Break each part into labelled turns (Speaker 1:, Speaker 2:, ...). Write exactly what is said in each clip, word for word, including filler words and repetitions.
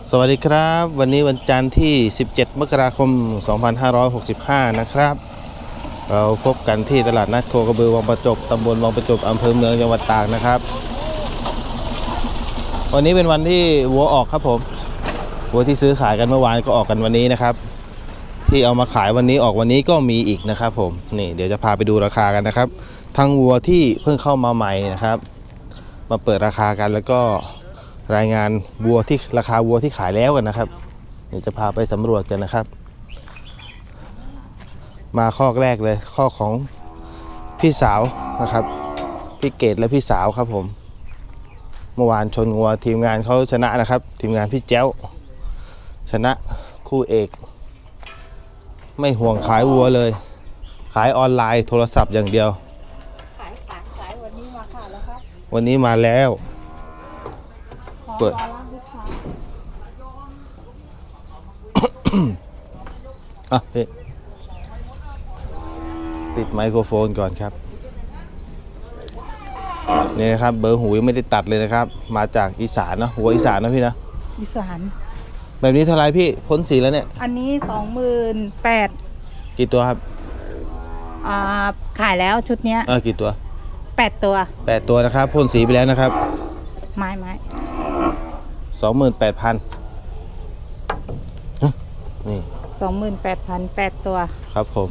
Speaker 1: สวัสดีครับวันนี้วันจันทร์ที่สิบเจ็ดมกราคมสองพันห้าร้อยหกสิบห้านะครับเราพบกันที่ตลาดนัดโคกระบือวังประจบตำบลวังประจบอำเภอเมืองจังหวัดตากนะครับวันนี้เป็นวันที่วัวออกครับผมวัวที่ซื้อขายกันเมื่อวานก็ออกกันวันนี้นะครับที่เอามาขายวันนี้ออกวันนี้ก็มีอีกนะครับผมนี่เดี๋ยวจะพาไปดูราคากันนะครับทั้งวัวที่เพิ่งเข้ามาใหม่นะครับมาเปิดราคากันแล้วก็รายงานวัวที่ราคาวัวที่ขายแล้วกันนะครับเดี๋ยวจะพาไปสำรวจกันนะครับมาข้อแรกเลยข้อของพี่สาวนะครับพี่เกดและพี่สาวครับผมเมื่อวานชนวัวทีมงานเขาชนะนะครับทีมงานพี่แจ้วชนะคู่เอกไม่ห่วงขายวัวเลยขายออนไลน์โทรศัพท์อย่างเดียว
Speaker 2: ขายขายขายวันนี้มาค่ะแล้วครับ
Speaker 1: วันนี้มาแล้วเปิดอ่ะพี่ติดไมโครโฟนก่อนครับนี่นะครับเบอร์หูยังไม่ได้ตัดเลยนะครับมาจากอีสานนะหัวอีสานนะพี่นะ
Speaker 2: อีสาน
Speaker 1: แบบนี้เท่าไรพี่พ้นสีแล้วเนี่ย
Speaker 2: อันนี้สองหมื่นแปด
Speaker 1: กี่ตัวครับ
Speaker 2: อ่าขายแล้วชุดเนี้ย
Speaker 1: เออกี่ตัว
Speaker 2: แปดตัว
Speaker 1: แปดตัวนะครับพ่นสีไปแล้วนะครับ
Speaker 2: ไม้ไม้
Speaker 1: สองหมื่นแปดพันนี่
Speaker 2: สองหมื่นแปดพันแปดตัว
Speaker 1: ครับผม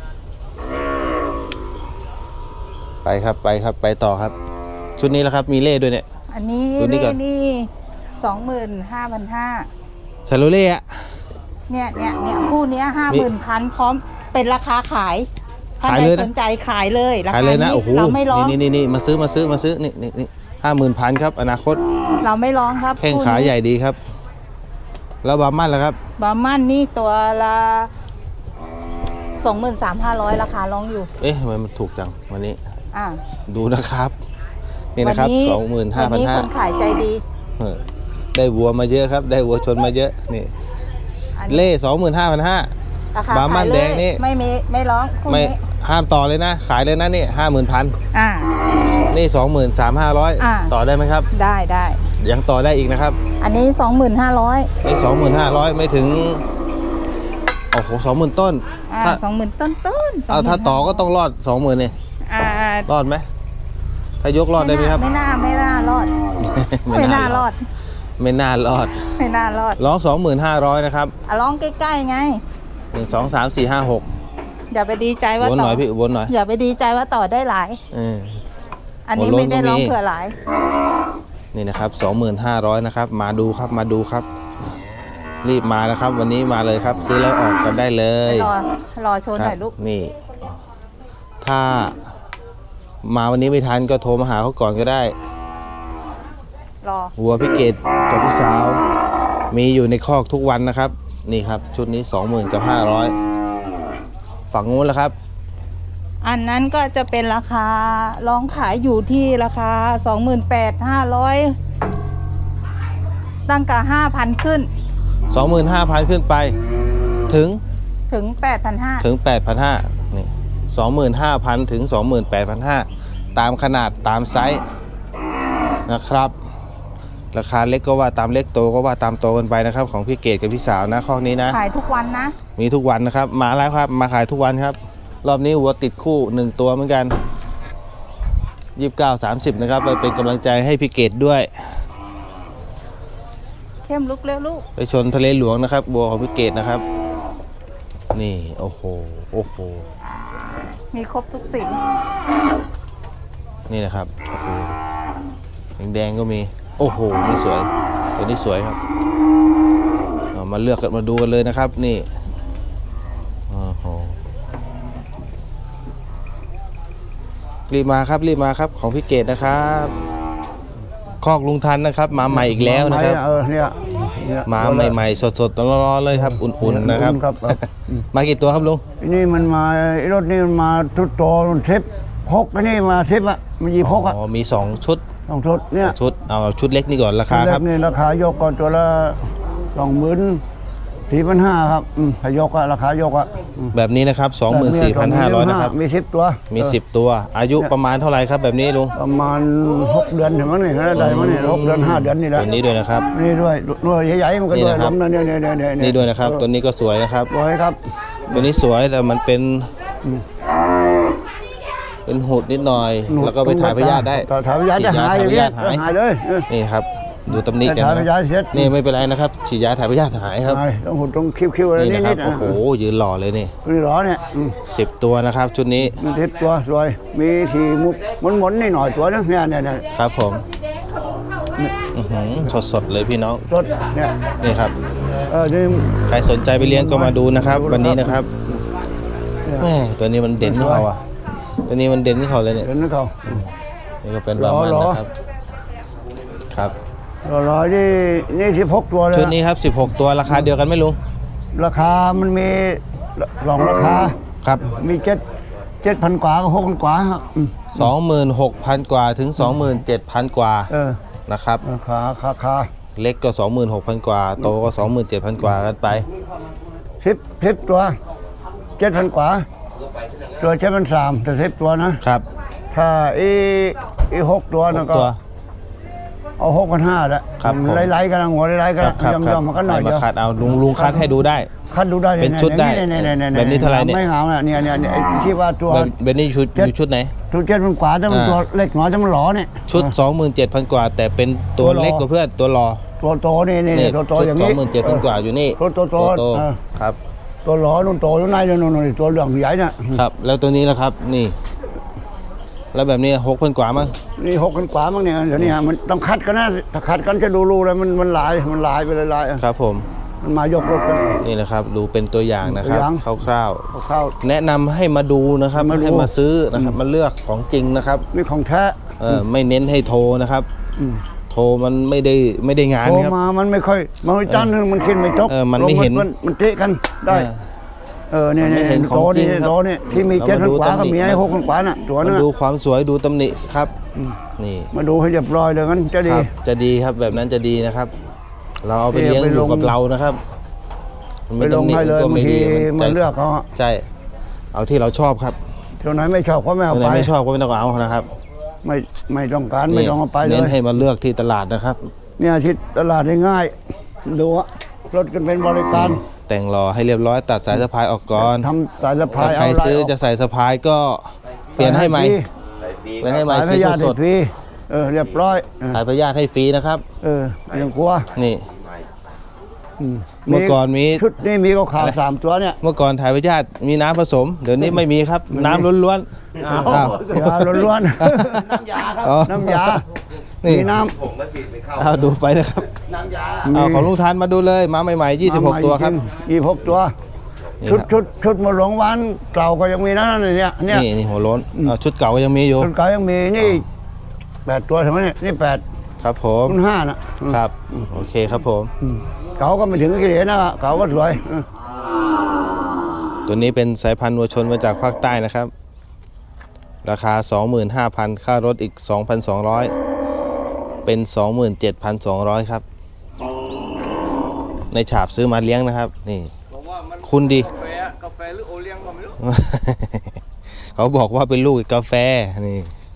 Speaker 1: ไปครับไปครับไปต่อครับชุดนี้แล้วครับมีเล่ด้วยเนี่ย
Speaker 2: อันนี้เล่นี่สองหมื่นห้าพันห้า
Speaker 1: ชาโลเล่อะ
Speaker 2: เนี่ยเนี่ยเนี่ยคู่เนี้ยห้าหมื่นพันพร้อมเป็นราคาขายถ้าใครสนใจขายเลยราคานี้เราไม่ร้อง
Speaker 1: นี่นี่นี่มาซื้อมาซื้อมาซื้อนี่นี่นี่ห้าหมื่นพันครับอนาคต
Speaker 2: เราไม่ร้องครับ
Speaker 1: แข้งขาใหญ่ดีครับแล้วบาร์มันล่ะครับ
Speaker 2: บาร์มันนี่ตัวละสองหมื่นสามห้าร้อยราคาร้องอยู่
Speaker 1: เอ๊ะทำไมมันถูกจังวันนี้
Speaker 2: อ่า
Speaker 1: ดูนะครับนี่นะครับสองหมื่นห้าพันห้า
Speaker 2: วันนี้คนขายใจดี
Speaker 1: ได้วัวมาเยอะครับได้วัวชนมาเยอะนี่เล่สองหมื่นห้าพันห้าบาร์มันแดงนี่
Speaker 2: ไม่มีไม่ร้องคู่นี้
Speaker 1: ห้ามต่อเลยนะขายเลยนะนี่ห้าหมื่นพัน
Speaker 2: อ่า
Speaker 1: นี่สองหมื่นสามห้าร้อยต่อได้ไหมครับ
Speaker 2: ได้ได้
Speaker 1: ยังต่อได้อีกนะครับ
Speaker 2: อันนี้สองหมื่นห้าร้อย
Speaker 1: นี่สองหมื่นห้าร้อยไม่ถึงโอ้โหสองหมื่นต้น
Speaker 2: ถ้าสองหมื่นต้นต้น
Speaker 1: เอาถ้าต่อก็ต้องรอดสองหมื่นนี่รอดไหมถ้ายกรอดได้ไหมครับ
Speaker 2: ไม่น่าไม่น่ารอดไม่น่ารอด
Speaker 1: ไม่น่ารอด
Speaker 2: ไม่น่ารอด
Speaker 1: ร้องสองหมื่นห้าร้อยนะครับ
Speaker 2: ร้องใกล้ๆไง
Speaker 1: หนึ่งสองสามสี่ห้าหก
Speaker 2: อย่าไปดีใจว่า
Speaker 1: ต่อวนหน่อยพี่วนหน่อย
Speaker 2: อย่าไปดีใจว่าต่อได้หลายอันนี้ไม่ได้ร้องเผื่อหลาย
Speaker 1: นี่นะครับสองหมื่นห้าร้อยนะครับมาดูครับมาดูครับรีบมานะครับวันนี้มาเลยครับซื้อแล้วออกกันได้เลย
Speaker 2: รอรอโชว์หน่อยลูก
Speaker 1: นี่ถ้ามาวันนี้ไม่ทันก็โทรมาหาเขาก่อนก็ได้
Speaker 2: รอ
Speaker 1: วัวพี่เกดกับพี่สาวมีอยู่ในคอกทุกวันนะครับนี่ครับชุดนี้สองหมื่นกับห้าร้อยฝั่งนู้นแล้วครับ
Speaker 2: อันนั้นก็จะเป็นราคาลองขายอยู่ที่ราคาสองหมื่นแปดห้าร้อยตั้งแต่ห้าพันขึ้น
Speaker 1: สองหมื่นห้าพันขึ้นไปถึง
Speaker 2: ถึงแปดพันห้า
Speaker 1: ถึงแปดพันห้านี่สองหมื่นห้าพันถึงสองหมื่นแปดพันห้าตามขนาดตามไซส์นะครับราคาเล็กก็ว่าตามเล็กโตก็ว่าตามโตกันไปนะครับของพี่เกดกับพี่สาวนะข้อนี้นะ
Speaker 2: ขายทุกวันนะ
Speaker 1: มีทุกวันนะครับมาแล้วครับมาขายทุกวันครับรอบนี้วัวติดคู่หนึ่งตัวเหมือนกันยี่สิบเก้าสามสิบนะครับไปเป็นกำลังใจให้พี่เกดด้วย
Speaker 2: เข้มลุกเร็วลูก
Speaker 1: ไปชนทะเลหลวงนะครับวัวของพี่เกดนะครับนี่โอ้โหโอ้โห
Speaker 2: มีครบทุกสี
Speaker 1: นี่นะครับโอ้โหแดงๆก็มีโอ้โหนี่สวยตัวนี้สวยครับมาเลือกกันมาดูกันเลยนะครับนี่โอ้โหรีบมาครับรีบมาครับของพี่เกดนะครับคอกลุงทันนะครับมาใหม่อีกแล้วนะครับมาใหม่ๆสดๆร้อนๆเลยครับอุ่นๆนะครับมากี่ตัวครับลุง
Speaker 3: นี่มันมารถนี่มันมาทุกตัวมันเทปพกนี่มาเทปอ่ะมันยีพกอ่ะ
Speaker 1: อ๋อมีสองชุด
Speaker 3: สองชุดเนี่ย
Speaker 1: ชุดเอาชุดเล็กนี่ก่อนราคาครับ
Speaker 3: นี่ราคายกก่อนตัวละสองหมื่นสี่พันห้าครับอืมยกอะราคายกอะอืม
Speaker 1: แบบนี้นะครับ สองหมื่นสี่พันห้าร้อย นะครับ
Speaker 3: มีสิบตัว
Speaker 1: มี
Speaker 3: เออ
Speaker 1: สิบตัว อายุประมาณเท่าไหร่ครับแบบนี้ลุง
Speaker 3: ประมาณหกเดือนถึงมั้งนี่ได้มั้งนี่หกเดือนห้าเดือนนี่แหละ
Speaker 1: ตัวนี้ด้วยนะครับ
Speaker 3: นี่ด้วยด้วยใหญ่ๆมันก็
Speaker 1: นี่
Speaker 3: ด้วย
Speaker 1: นะครับ
Speaker 3: ลำนั่นเนี่ยเนี่ยเนี่ยเนี่ย
Speaker 1: นี่ด้วยนะครับ ตัวนี้ก็สวยนะครับ
Speaker 3: สวยครับ
Speaker 1: ตัวนี้สวยแต่มันเป็น เป็นหุดนิดหน่อย แล้วก็ไปถ่ายพยาธิได้
Speaker 3: ถ่ายพยาธิจะหายอย่าง
Speaker 1: ฉีด
Speaker 3: เงี้
Speaker 1: ยาย ถ่ายพยาธิหาย
Speaker 3: หายเลยเออ
Speaker 1: นี่ครับ ดูตำหนิกัน
Speaker 3: ถ่ายพ
Speaker 1: นะ
Speaker 3: ยาธิเสร็จ
Speaker 1: นี่ไม่เป็นไรนะครับ ฉีดยาถ่ายพยาธิหายครับ
Speaker 3: หายต้องหุดต้องคิ้วๆอะไร
Speaker 1: นี่
Speaker 3: นิ
Speaker 1: นะครับ
Speaker 3: ดๆ
Speaker 1: โอ้
Speaker 3: นะ
Speaker 1: โห ยืนหล่อเลยนี่
Speaker 3: นี่เหรอเนี่ยอืม
Speaker 1: สิบตัวนะครับ ชุดนี้
Speaker 3: มีทิพตัวสวยมีสีมุกหมุนๆนี่หน่อยตัวนึงเนี่ยเนี่ยเนี่ย
Speaker 1: ครับผมสดๆเลยพี่น้อง
Speaker 3: รถเนี่ย
Speaker 1: นี่ครับ
Speaker 3: เออนี่
Speaker 1: ใครสนใจไปเลี้ยงก็มาดูนะครับ วันนี้นะครับ
Speaker 3: เนี่ย
Speaker 1: แม่ตัวนี้มันเด่นที่เขาอ่ะ ตัวนี้มันเด่นที่เขาเลยเนี่ย
Speaker 3: เห็นไหมเขา
Speaker 1: นี่ก็เป็นประมาณ
Speaker 3: หรอ
Speaker 1: นะครับ ครับ
Speaker 3: รอๆนี่นี่ที่พกตัวเลย
Speaker 1: ชุดนี้ครับสิบหกตัวราคาเดียวกันไหมลุง
Speaker 3: ราคามันมีสองราคา
Speaker 1: ครับ
Speaker 3: มีเจ็ดเจ็ดพันกว่ากับหกพันกว่าครับอืม
Speaker 1: สองหมื่นหกพันกว่าถึงสองหมื่นเจ็ดพันกว่า
Speaker 3: เออ
Speaker 1: นะครับ
Speaker 3: ราคาคาคา
Speaker 1: เล็กก็สองหมื่นหกพันกว่า โตก็สองหมื่นเจ็ดพันกว่ากันไป
Speaker 3: สิบสิบตัวเจ็ดพันกว่า ตัวเจ็ดพันสามแต่สิบตัวนะ
Speaker 1: ครับ
Speaker 3: ถ้าอีอีหกตัวนะก็
Speaker 1: ตัว
Speaker 3: เอาหกพันห้าละ
Speaker 1: ครับผม
Speaker 3: ไล่ๆกันนะหัวไล่ๆกัน
Speaker 1: ครับครับ
Speaker 3: ยำ
Speaker 1: ครับ
Speaker 3: ยำมันก็หน่อย
Speaker 1: ให้
Speaker 3: เดี
Speaker 1: มา
Speaker 3: ยว
Speaker 1: คัดเอาลุงลุงคัดให้ดูได้
Speaker 3: คัดดูได้
Speaker 1: เป็นชุดได้
Speaker 3: เนี่ยเนี่ยเนี่ย
Speaker 1: แบบนี้เท่าไหร่เนี่ย
Speaker 3: ไม่เหงาเนี่ยเนี่ยเนี่ยเนี่ยไอ้ที่ว่าตัว
Speaker 1: แบบแบบนี้ชุด
Speaker 3: เจ็ด
Speaker 1: อยู่ชุดไหน
Speaker 3: ตัวเจ็ดพันกว่าแต่มัน
Speaker 1: อ่า
Speaker 3: ตัวเล็กน้อยแต่มันหลอเนี่ย
Speaker 1: ชุด สองหมื่นเจ็ดพันกว่า แต่เป็นตัว
Speaker 3: ตัวรอ
Speaker 1: เล็กกว่าเพื่อนตัวรอ
Speaker 3: ตัวโตนี่นี่
Speaker 1: นี่
Speaker 3: ตัวโต
Speaker 1: ชุด
Speaker 3: อย่าง
Speaker 1: สอ
Speaker 3: นี้
Speaker 1: งหมื่นเจ็ดพันกว่าอยู่นี่
Speaker 3: ตัวโตโต
Speaker 1: โต
Speaker 3: เออ
Speaker 1: ครับ
Speaker 3: ตัวหลอนุ่นโตอยู่ในนู่นนู่นตัวเหลืองใหญ่เนี่ย
Speaker 1: ครับ แล้วตัวนี้ล่ะครับ นี่ แล้วแบบนี้หกพันกว่ามั้ง
Speaker 3: นี่หกพันกว่ามั้งเนี่ยเดี๋ยวนี้ฮะมันต้องคัดกันนะถ้าคัดกันจะดูรูเลยมันมันหลายมันหลายไปเลยหลายอ่ะ
Speaker 1: ครับผม
Speaker 3: มันมายกรถกัน
Speaker 1: นี่นะครับ ดูเป็นตัวอย่างนะครับ
Speaker 3: ตัวอย่าง
Speaker 1: คร่าว
Speaker 3: เอาเข้า
Speaker 1: ๆแนะนำให้มาดูนะครับ
Speaker 3: มาดู
Speaker 1: ให้มาซื้อนะครับมาเลือกของจริงนะครับ
Speaker 3: นี่ของแท้
Speaker 1: เออไม่เน้นให้โทรนะครับ
Speaker 3: อืม
Speaker 1: โทรมันไม่ได้ไม่ได้งาน
Speaker 3: โทร
Speaker 1: ครับ
Speaker 3: มามันไม่ค่อยมันไม่จันทร์มันกินไม่จบ
Speaker 1: เออมันไม่เห็น
Speaker 3: มันมันเตะกันได้
Speaker 1: เออ
Speaker 3: เออเนี่ย
Speaker 1: มันไม่
Speaker 3: เนี่ย
Speaker 1: เห็นของ
Speaker 3: โต
Speaker 1: จริ
Speaker 3: นี่
Speaker 1: งครับ
Speaker 3: โตนี่ที่มี
Speaker 1: เรา
Speaker 3: เจ็ด
Speaker 1: มา
Speaker 3: พัน
Speaker 1: ดู
Speaker 3: กว่า
Speaker 1: ตำหนิ
Speaker 3: ก็มีให้หกพันกว่าน่ะตัว
Speaker 1: มา
Speaker 3: นั้น
Speaker 1: ดู
Speaker 3: น่ะ
Speaker 1: ความสวยดูตำหนิครับ นี่
Speaker 3: มาดูให้เรียบร้อยเลยงั้นจะ
Speaker 1: ค
Speaker 3: ดี
Speaker 1: รับจะดีครับแบบนั้นจะดีนะครับ เราเอาไปเลี้ยง
Speaker 3: ไป
Speaker 1: อ
Speaker 3: ล
Speaker 1: ยู่
Speaker 3: ง
Speaker 1: กับเรานะครับมัน
Speaker 3: ไป
Speaker 1: มี
Speaker 3: ลง
Speaker 1: ตำหนิ
Speaker 3: ให้เลย
Speaker 1: ก็
Speaker 3: บาง
Speaker 1: ไม่
Speaker 3: ที
Speaker 1: ดี
Speaker 3: มันเลือกเขาอะ
Speaker 1: ใช่ เอาที่เราชอบครับ
Speaker 3: เท่าไหนไม่ชอบก็ไม่เอา
Speaker 1: อันไหน
Speaker 3: ไป
Speaker 1: ไม่ชอบก็ไม่ต้องเอานะครับ
Speaker 3: ไม่ไม่ต้องการไม่ต้องเอาไปเล
Speaker 1: เน้น
Speaker 3: ย
Speaker 1: ให้มาเลือกที่ตลาดนะครับ
Speaker 3: เนี่ยที่ตลาดได้ง่ายดูอะรถกันเป็นบริการ
Speaker 1: แต่งรอให้เรียบร้อยตัดสายสะพายออกก่อน
Speaker 3: ทำสายสะพา
Speaker 1: ถ้าย ใคร
Speaker 3: เอาลาย
Speaker 1: ซื้อจะใส่สะพายก็เปลี่ยนให้ใหม่เปลี่ยนให้ใหม่
Speaker 3: สายพ
Speaker 1: สี
Speaker 3: ยาธิ
Speaker 1: สด
Speaker 3: ฟรีเออเรียบร้อยเออ
Speaker 1: ๆสายพยาธิให้ฟรีนะครับ
Speaker 3: เออไม่ต้องกลัว
Speaker 1: นี่
Speaker 3: อืม
Speaker 1: เมื่อก่อนมี
Speaker 3: ชุดนี้มีขาวๆสามตัวเนี่ย
Speaker 1: เมื่อก่อนถ่ายพยาธิมีน้ำผสม เดี๋ยวนี้ไม่มีครับ น้ำล้วนๆอ้าวย
Speaker 3: าล้วนๆ
Speaker 1: อ๋อ
Speaker 3: น้ำยา
Speaker 1: นี่
Speaker 3: มีน้
Speaker 1: เอาดูไปนะครับ
Speaker 3: ำ
Speaker 1: เอาของลุงทานมาดูเลยมาใหม่ๆยี่สิบหกตัวครับ
Speaker 3: ยี่สิบหกตัว
Speaker 1: นี่
Speaker 3: ชุด
Speaker 1: ครับ
Speaker 3: ชุดชุดหมดหลวงวานเก่าก็ยังมีนะเนี่ยเนี่ย
Speaker 1: นี่นี่หัวโล้นเอาชุดเก่าก็ยังมีอยู่
Speaker 3: ชุดเก่ายังมีนี่แปดตัวใช่ไหมเนี่ยนี่แปด
Speaker 1: ครับผม
Speaker 3: คุณห้าน่ะ
Speaker 1: ครับโอเคครับผม
Speaker 3: อืมเก่าก็ไม่ถึงกี่เหรียญนะเก่าก็สวยเออ
Speaker 1: ตัวนี้เป็นสายพันธุ์วัวชนมาจากภาคใต้นะครับ ราคา สองหมื่นห้าพัน ค่ารถอีก สองพันสองร้อย เป็น สองหมื่นเจ็ดพันสองร้อย ครับ ในฉาบซื้อมาเลี้ยงนะครับ นี่คุณดี
Speaker 4: กาแฟกาแฟหรือโอเลี้ยงก็ไม่รู้
Speaker 1: เขาบอกว่าเป็นลูกกาแฟนี่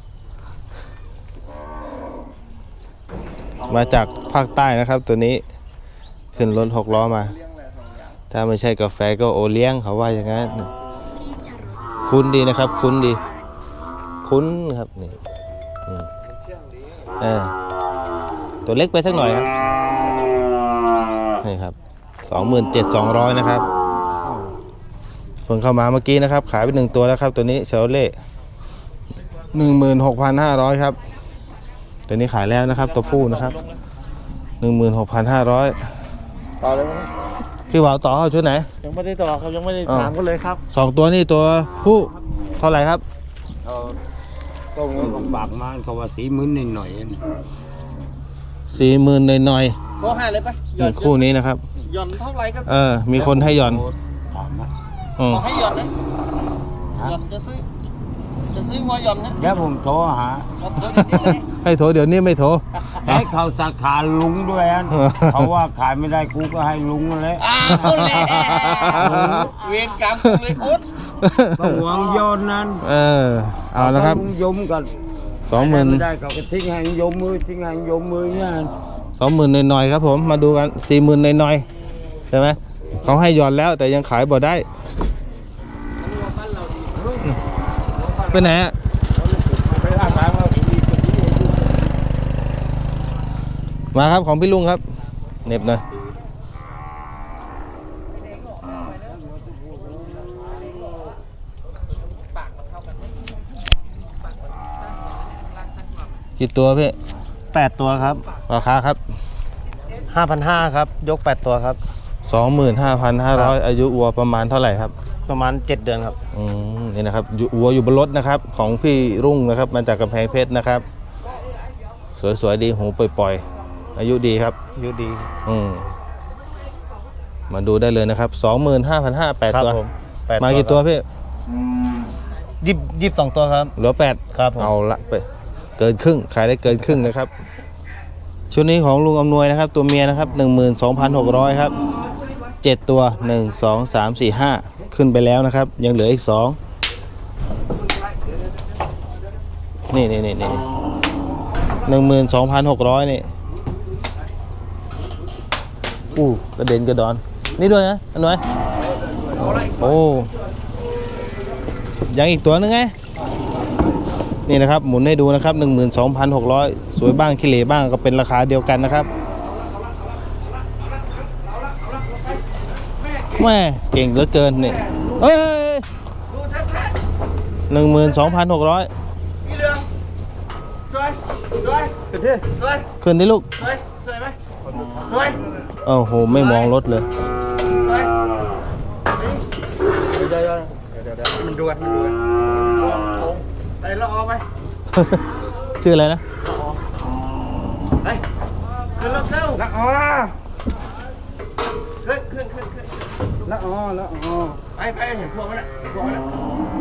Speaker 1: มาจากภาคใต้นะครับ ตัวนี้ขึ้นรถหกล้อมา ถ้าไม่ใช่กาแฟก็โอเลี้ยงเขาว่าอย่างนั้นคุ้นดีนะครับ คุ้นดี คุ้นครับนี่นี่เออตัวเล็กไปสักหน่อยครับนี่ครับสองหมื่นเจ็ดสองร้อยนะครับเพิ่งเข้ามาเมื่อกี้นะครับ ขายไปหนึ่งตัวแล้วครับ ตัวนี้เชลเล่หนึ่งหมื่นหกพันห้าร้อยครับตัวนี้ขายแล้วนะครับ ตัวผู้นะครับหนึ่งหมื่นหกพันห้าร้อย
Speaker 4: ต่อเลยไหม
Speaker 1: พี่หวาวต่อเอาชุดไหน
Speaker 4: ยังไม่ได้ต่อครับยังไม่ได้
Speaker 1: อ้าว
Speaker 4: ถามกันเลยครับ
Speaker 1: สองตัวนี่ตัวผู้เท่าไหร่ครับ
Speaker 5: ก็เงินของบากมาเขาว่าสีมื้นหน่อย
Speaker 1: สี่หมื่นหน่อย
Speaker 4: ก็ให้เลยไป
Speaker 1: ๆนี่คู่นี้นะครับ
Speaker 4: หย่อนเท่าไหร่ก็
Speaker 1: เออ มีคนให้หย่อน
Speaker 5: ถามว่า
Speaker 1: อืม
Speaker 4: ขอให้หย่อนเลยหย่อนจะซื้อจะซื้อวัวหย่อนนะ
Speaker 5: เดี๋ยวผมโทรหา
Speaker 4: เอาตัวเดียวเลย
Speaker 1: ให้โทรเดี๋ยวนี้ไม่โทร
Speaker 5: ให้เขาสาขาลุงด้วยอันเขาว่าขายไม่ได้กูก็ให้ลุงนั่นแหละ
Speaker 4: อ้าวแหละเวรกรรมกูเลยโอ๊ต
Speaker 5: ก็หวังโยนนั้น
Speaker 1: เออเอาละครับ
Speaker 5: ลุงยมกัน
Speaker 1: สองหมื่น
Speaker 5: ไม่ได้เขาก็ทิ้งให้ยมมือทิ้งให้ยมมือเนี่ย
Speaker 1: สองหมื่นหน่อยๆครับผมมาดูกันสี่หมื่นหน่อยๆใช่ไหมเขาให้หย่อนแล้วแต่ยังขายบ่ได้ไปไหนอะมาครับของพี่ลุงครับเหน็บหน่อยกี่ตัวพี่
Speaker 6: แปดตัวครับ
Speaker 1: ราคาครับ
Speaker 6: ห้าพันห้าครับ ยกแปดตัวครับ
Speaker 1: สองหมื่นห้าพันห้าร้อยอายุวัวประมาณเท่าไหร่ครับ
Speaker 6: ประมาณเจ็ดเดือนครับ
Speaker 1: อืมนี่นะครับอยู่วัวอยู่บนรถนะครับ ของพี่รุ่งนะครับมาจากกำแพงเพชรนะครับ สวยๆดีหูปล่อยๆอายุดีครับ
Speaker 6: อยู่ดี
Speaker 1: อืมมาดูได้เลยนะครับสองหมื่นห้าพันห้าแปด
Speaker 6: ครับ
Speaker 1: ตัว
Speaker 6: ผมแปด
Speaker 1: มากี่ตัวพี่
Speaker 6: ยิบยิบสองตัวครับ
Speaker 1: เหลือแปด
Speaker 6: ครับผม
Speaker 1: เอาละไปเกินครึ่งขายได้เกินครึ่งนะครับชุดนี้ของลุงอำนวยนะครับ ตัวเมียนะครับหนึ่งหมื่นสองพันหกร้อยครับเจ็ดตัวหนึ่งสองสามสี่ห้าขึ้นไปแล้วนะครับ ยังเหลืออีกสองนี่นี่นี่นี่หนึ่งหมื่นสองพันหกร้อยนี่อู้กระเด็นกระดอนนี่ด้วยนะอำนวยโอ้ยังอีกตัวนึงไงนี่นะครับหมุนให้ดูนะครับ หนึ่งหมื่นสองพันหกร้อย สวยบ้างขี้เหร่บ้างก็เป็นราคาเดียวกันนะครับแม่เก่งเหลือเกินนี่เอ้ยหนึ่งหมื่นสองพันหกร้อย
Speaker 4: พี่เรืองสวยสวยสวย
Speaker 1: ขึ้นนี่ลูก
Speaker 4: สวยสวยไหมสวย
Speaker 1: โอ้โหไม่มองรถเลย
Speaker 4: สวยเดี๋ยวเดี๋ยวเดี๋ยวเดี๋ยวมันดูกันมันดูกันโอ้โหไปละออไป
Speaker 1: ชื่ออะไรนะ
Speaker 4: ไปขึ้นรถเร็วละออขึ้นขึ้นขึ้นขึ้น
Speaker 3: ละอ๋อละอ๋อ
Speaker 4: ไปไปเห็นพวกมันอ่ะพวกมันอ่ะ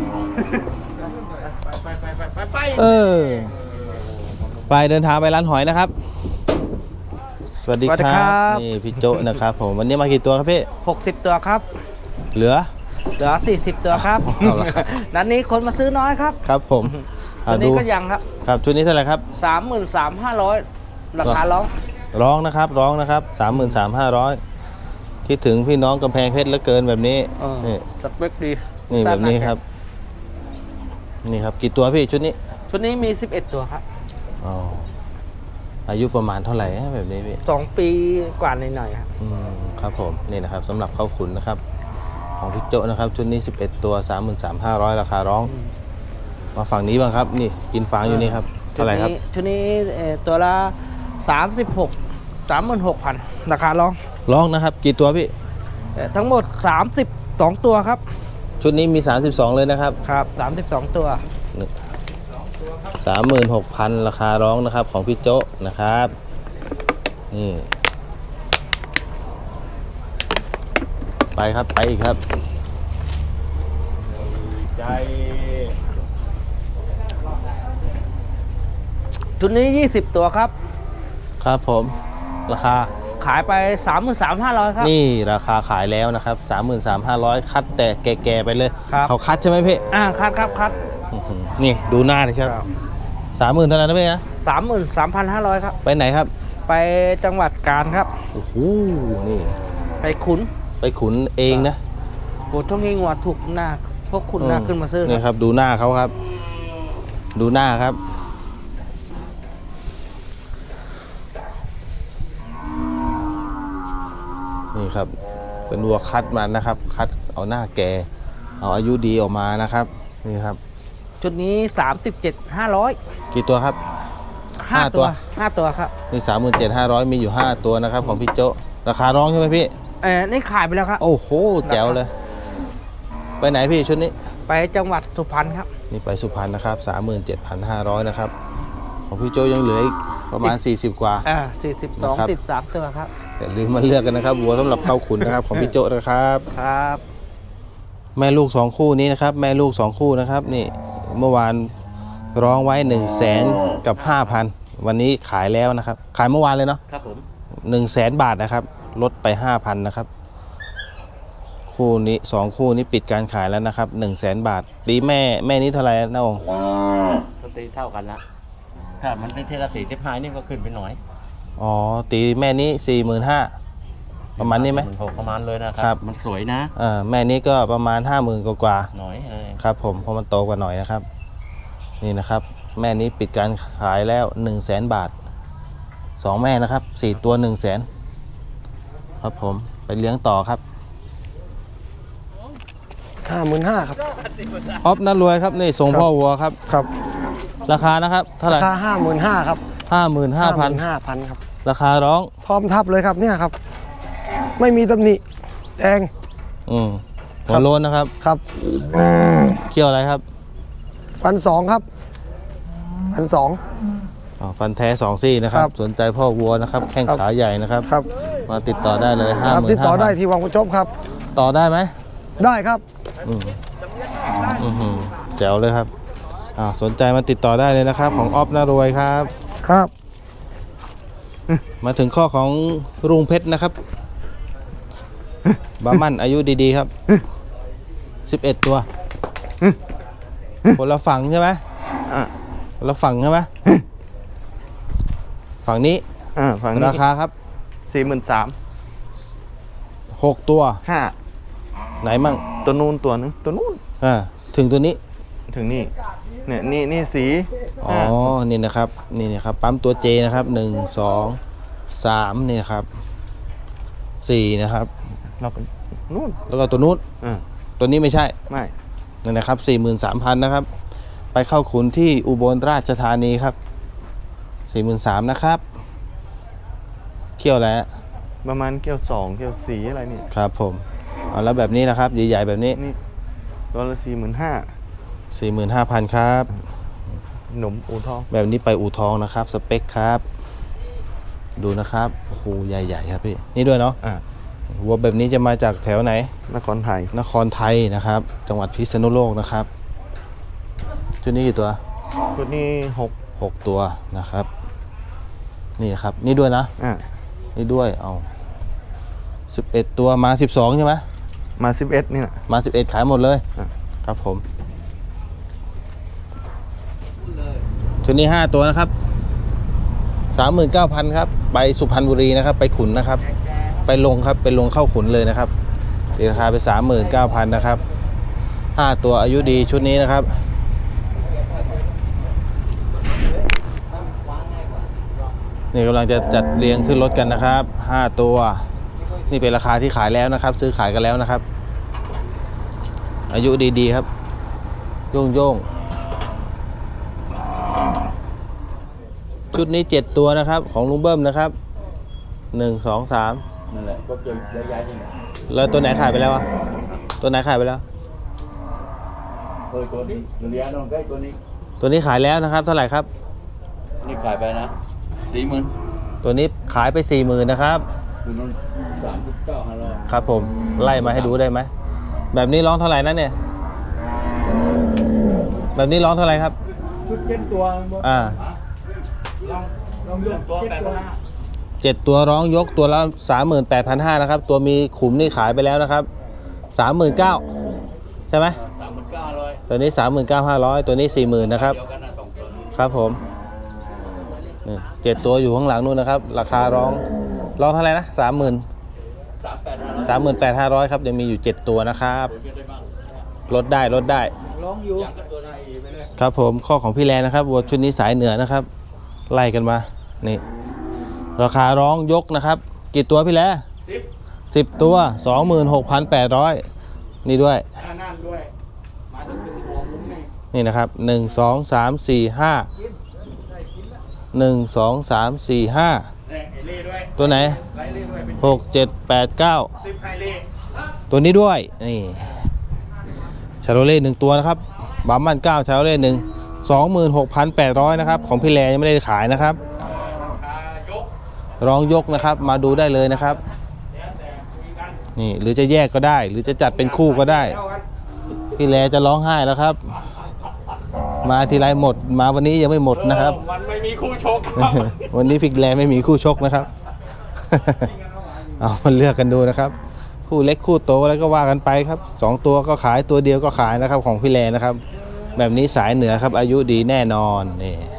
Speaker 4: ไปไปไปไปไป
Speaker 1: เออไปเดินทางไปร้านหอยนะครับ สวัสดี
Speaker 6: สวัสดี
Speaker 1: ค
Speaker 6: ครั
Speaker 1: รับบ นี่พี่โจนะครับผมวันนี้มากี่ตัวครับพี่
Speaker 6: หกสิบตัวครับ
Speaker 1: เหลือ
Speaker 6: เหลือสี่สิบตัวครับ
Speaker 1: เอาละครับ
Speaker 6: นัดนี้คนมาซื้อน้อยครับ
Speaker 1: ครับผม
Speaker 6: ตั
Speaker 1: อ่าว
Speaker 6: นี้
Speaker 1: ดู
Speaker 6: ก็ยังครับ
Speaker 1: ครับชุดนี้เท่าไหร่ครับ
Speaker 6: สามหมื่นสามห้าร้อยราคาร้อง
Speaker 1: ร้องนะครับร้องนะครับสามหมื่นสามห้าร้อยคิดถึงพี่น้องกำแพงเพชรเหลือเกินแบบนี้
Speaker 6: เออ
Speaker 1: นี่
Speaker 6: สเปคดี
Speaker 1: นี่แบบนี้ครับ นี่ครับกี่ตัวพี่ชุดนี้
Speaker 6: ชุดนี้มีสิบเอ็ดตัวครับ
Speaker 1: อ๋ออายุประมาณเท่าไหร่ฮะแบบนี้พี่
Speaker 6: สองปีกว่าหน่อยๆครับ
Speaker 1: อืมครับผมนี่นะครับสำหรับข้าวขุนนะครับ ของพี่โจนะครับชุดนี้สิบเอ็ดตัว สามหมื่นสามพันห้าร้อย ราคาร้อง มาฝั่งนี้บ้างครับ นี่กินฟางอยู่นี่ครับเท่าไหร่ครับ
Speaker 6: ชุดนี้เอ่อตัวละสามสิบหกสามหมื่นหกพันราคาร้อง
Speaker 1: ร้องนะครับ กี่ตัวพี่
Speaker 6: เอ่อทั้งหมดสามสิบสองตัวครับ
Speaker 1: ชุดนี้มี สามสิบสอง เลยนะครับ
Speaker 6: ครับสามสิบสองตัว
Speaker 1: สามหมื่นหกพัน ราคาร้องนะครับของพี่โจนะครับนี่ไปครับไปอีกครับ
Speaker 5: ใจ
Speaker 6: ชุดนี้ยี่สิบตัวครับ
Speaker 1: ครับผมราคา
Speaker 6: ขายไปสามหมื่นสามห้าร้อยครับ
Speaker 1: นี่ราคาขายแล้วนะครับ สามหมื่นสามพันห้าร้อย คัดแต่แก่ๆไปเลย
Speaker 6: ครับ
Speaker 1: เขาคัดใช่ไหมพี่
Speaker 6: อ่าคัดครับคัด
Speaker 1: อื้อหือนี่ดูหน้าเลยครับสามหมื่นเท่านั้นนะพี่นะ
Speaker 6: สามหมื่นสามพันห้าร้อยครับ
Speaker 1: ไปไหนครับ
Speaker 6: ไปจังหวัดกาญครับ
Speaker 1: โอ้โหนี่
Speaker 6: ไปขุน
Speaker 1: ไปขุนเองนะ
Speaker 6: โอ้ช่วงนี้งัวถูกหน้า พวกคุณหน้าขึ้นมาซื้อ
Speaker 1: นี่
Speaker 6: ค
Speaker 1: ครับ รับดูหน้าเขาครับ ดูหน้าครับนี่ครับ เป็นวัวคัดมานะครับ คัดเอาหน้าแก่เอาอายุดีออกมานะครับนี่ครับ
Speaker 6: ชุดนี้สามสิบเจ็ดห้าร้อย
Speaker 1: กี่ตัวครับ
Speaker 6: ห้า
Speaker 1: ห้าตั
Speaker 6: ตัว วห้าตัวครับ
Speaker 1: นี่สามหมื่นเจ็ดห้าร้อยมีอยู่ห้าตัวนะครับของพี่โจราคาร้องใช่ไหมพี่
Speaker 6: เออนี่ขายไปแล้วครับ
Speaker 1: โอ้โหแจ๋วเลย ไปไหนพี่ชุดนี้
Speaker 6: ไปจังหวัดสุพรรณครับ
Speaker 1: นี่ไปสุพรรณนะครับสามหมื่นเจ็ดพันห้าร้อยนะครับของพี่โจยังเหลืออีกประมาณสี่สิบกว่า
Speaker 6: อ่าสี่สิบสอง
Speaker 1: นะครับ
Speaker 6: สิบสามตัวครับ
Speaker 1: อย่าลืมมาเลือกกันนะครับวัวสำหรับเข้าขุนนะครับ ของพี่โจนะครับ
Speaker 6: ครับ
Speaker 1: แม่ลูกสองคู่นี้นะครับ แม่ลูกสองคู่นะครับ นี่เมื่อวานร้องไว้หนึ่งแสนกับห้าพันวันนี้ขายแล้วนะครับขายเมื่อวานเลยเนาะ
Speaker 4: ครับผม
Speaker 1: หนึ่งแสนบาทนะครับลดไปห้าพันนะครับคู่นี้สองคู่นี้ปิดการขายแล้วนะครับหนึ่งแสนบาทตีแม่แม่นี้เท่าไหร่นะองค์
Speaker 4: ก็ตีเท่ากันละถ้ามันได้เท่ากับสี่สิบห้านี่ก็ขึ้นไปหน่อย
Speaker 1: อ๋อตีแม่นี้สี่หมื่นห้าประมาณนี้ไหม
Speaker 4: หกประมาณเลยนะค
Speaker 1: ครั
Speaker 4: รับ มันสวยนะ
Speaker 1: เออแม่นี้ก็ประมาณห้าหมื่นกว่า
Speaker 4: หน่อยเออ
Speaker 1: ๆครับผมเพราะมันโตกว่าหน่อยนะครับนี่นะครับแม่นี้ปิดการขายแล้วหนึ่งแสนบาทสองแม่นะครับสี่ตัวหนึ่งแสนครับผมไปเลี้ยงต่อครับ
Speaker 7: ห้าหมื่นห้าครับ
Speaker 1: ออฟน่ารวยครับนี่ส่งพ่อวัวครับ
Speaker 7: ครับ
Speaker 1: ราคานะครับเท่าไหร่
Speaker 7: ราคาห้าหมื่นห้าครับ
Speaker 1: ห้าหมื่นห้าพัน
Speaker 7: ห้าพันครับ
Speaker 1: ราคาร้อง
Speaker 7: พร้อมทับเลยครับเนี่ยครับ ไม่มีตำหนิแดง
Speaker 1: อืมหัวโล้นนะครับ
Speaker 7: ครับ
Speaker 1: เกี่ยวอะไรครับ
Speaker 7: พันสองครับพันสอง
Speaker 1: อ๋อฟันแท้สองซี่นะครับ
Speaker 7: ครับ
Speaker 1: สนใจพ่อวัวนะครับ แข้ง
Speaker 7: ครับ
Speaker 1: ขาใหญ่นะครับ
Speaker 7: ครับ
Speaker 1: มาติดต่อได้เลยห้า
Speaker 7: ค
Speaker 1: ห
Speaker 7: รับ
Speaker 1: มื่น
Speaker 7: ติด
Speaker 1: ห้า
Speaker 7: ต่อได้
Speaker 1: พัน
Speaker 7: ที่วังประจบครับ
Speaker 1: ต่อได้ไหม
Speaker 7: ได้ครับ
Speaker 1: อืมอือหือแจ๋วเลยครับอ่าสนใจมาติดต่อได้เลยนะครับ ของออฟน่ารวยครับ
Speaker 7: ครับ
Speaker 1: มาถึงข้อของรุ่งเพชรนะครับบามั่นอายุดีๆครับสิบเอ็ดตัวคนละฝั่งใช่ไหมคนละฝั่งใช่ไหมฝั่งนี้
Speaker 4: อ่าฝั่งนี้
Speaker 1: ราคาครับ
Speaker 4: สี่หมื่นสาม
Speaker 1: หกตัว
Speaker 4: ห้า
Speaker 1: ไหนมั่ง
Speaker 4: ตัวนู้นตัวนึงตัวนู้น
Speaker 1: อ่าถึงตัวนี้
Speaker 4: ถึงนี่เนี่ยนี่นี่สี
Speaker 1: อ๋อ นี่นะครับ นี่นะครับ ปั๊มตัวเจนะครับหนึ่งสองสามนี่นะครับสี่นะครับ
Speaker 4: เราเป็นนู้น
Speaker 1: แล้วก็ตัวนู้น
Speaker 4: อ่า
Speaker 1: ตัวนี้ไม่ใช่
Speaker 4: ไม่
Speaker 1: นี่นะครับสี่หมื่นสามพันนะครับ ไปเข้าขุนที่อุบลราชธานีครับสี่หมื่นสามนะครับเขี้ยวแล้ว
Speaker 4: ประมาณเกี่ยวสองเกี่ยวสีอะไรนี่
Speaker 1: ครับผมเอาแล้วแบบนี้นะครับใหญ่ๆแบบนี้
Speaker 4: นี่ตัวละสี่หมื่นห้า
Speaker 1: สี่หมื่นห้าพันครับ
Speaker 4: หนมอูทอง
Speaker 1: แบบนี้ไปอู่ทองนะครับ สเปคครับ ดูนะครับโอ้โหใหญ่ๆครับพี่นี่ด้วยเนาะ
Speaker 4: อ่า
Speaker 1: วัวแบบนี้จะมาจากแถวไหน
Speaker 4: นครไทย
Speaker 1: นครไทยนะครับ จังหวัดพิษณุโลกนะครับชุดนี้กี่ตัว
Speaker 4: ชุดนี้หก
Speaker 1: หกตัวนะครับ นี่ครับ นี่ด้วยนะ
Speaker 4: อ่า
Speaker 1: นี่ด้วยเอาสิบเอ็ดตัวมาสิบสองใช่ไหม
Speaker 4: มาสิบเอ็ดนี่แหละ
Speaker 1: มาสิบเอ็ดขายหมดเลย
Speaker 4: อ่ะ
Speaker 1: ครับผมชุดนี้ห้าตัวนะครับสามหมื่นเก้าพันครับไปสุพรรณบุรีนะครับ ไปขุนนะครับ ไปลงครับไปลงเข้าขุนเลยนะครับตีราคาไปสามหมื่นเก้าพันนะครับห้าตัวอายุดีชุดนี้นะครับนี่กำลังจะจัดเรียงขึ้นรถกันนะครับห้าตัวนี่เป็นราคาที่ขายแล้วนะครับ ซื้อขายกันแล้วนะครับ อายุดีๆครับโย่งโย่งชุดนี้เจ็ดตัวนะครับของลุงเบิ้มนะครับหนึ่งสองสามนั่นแหละก็จะย้ายๆแล้วตัวไหนขายไปแล้วอะตัวไหนขายไปแล้วตัวนี้เลี้ยงน้องใกล้ตัวนี้ตัวนี้ขายแล้วนะครับเท่าไหร่ครับนี่ขายไปนะสี่หมื่นตัวนี้ขายไปสี่หมื่นนะครับสามสิบเก้าห้าร้อยครับผมไล่มาให้ดูได้ไหมแบบนี้ร้องเท่าไหร่นะเนี่ยแบบนี้ร้องเท่าไหร่ครับชุดเจ็ดตัวอ่าเจ็ดตัวร้องยกตัวละสามหมื่นแปดพันห้านะครับตัวมีขุมนี่ขายไปแล้วนะครับสามหมื่นเก้าใช่ไหมสามหมื่นเก้าร้อยตัวนี้สามหมื่นเก้าห้าร้อยตัวนี้สี่หมื่นนะครับครับผมนี่เจ็ดตัวอยู่ข้างหลังนู่นนะครับราคาร้องร้องเท่าไหร่นะสามหมื่นสามหมื่นแปดห้าร้อยครับยังมีอยู่เจ็ดตัวนะครับลดได้ลดได้ครับผมข้อของพี่แลนะครับวัวชุดนี้สายเหนือนะครับไล่กันมานี่ราคาร้องยกนะครับกี่ตัวพี่แลสิบตัวสองหมื่นหกพันแปดร้อยนี่ด้วยนี่นะครับหนึ่งสองสามสี่ห้าหนึ่งสองสามสี่ห้าตัวไหนหกเจ็ดแปดเก้าตัวนี้ด้วยนี่ชาโรเล่หนึ่งตัวนะครับบัมมันเก้าชาโรเล่หนึ่งสองหมื่นหกพันแปดร้อยนะครับของพี่แลยังไม่ได้ขายนะครับร้องยกนะครับมาดูได้เลยนะครับนี่หรือจะแยกก็ได้หรือจะจัดเป็นคู่ก็ได้พี่แลจะร้องไห้แล้วครับมาทีไรหมด มาวันนี้ยังไม่หมดนะครับ
Speaker 5: มันไม่มีคู่ชก
Speaker 1: วันนี้ฟิกแลนด์ไม่มีคู่ชกนะครับ เอามาเลือกกันดูนะครับ คู่เล็กคู่โตแล้วก็ว่ากันไปครับสองตัวก็ขายตัวเดียวก็ขายนะครับของพี่แลนด์นะครับ แบบนี้สายเหนือครับอายุดีแน่นอนนี่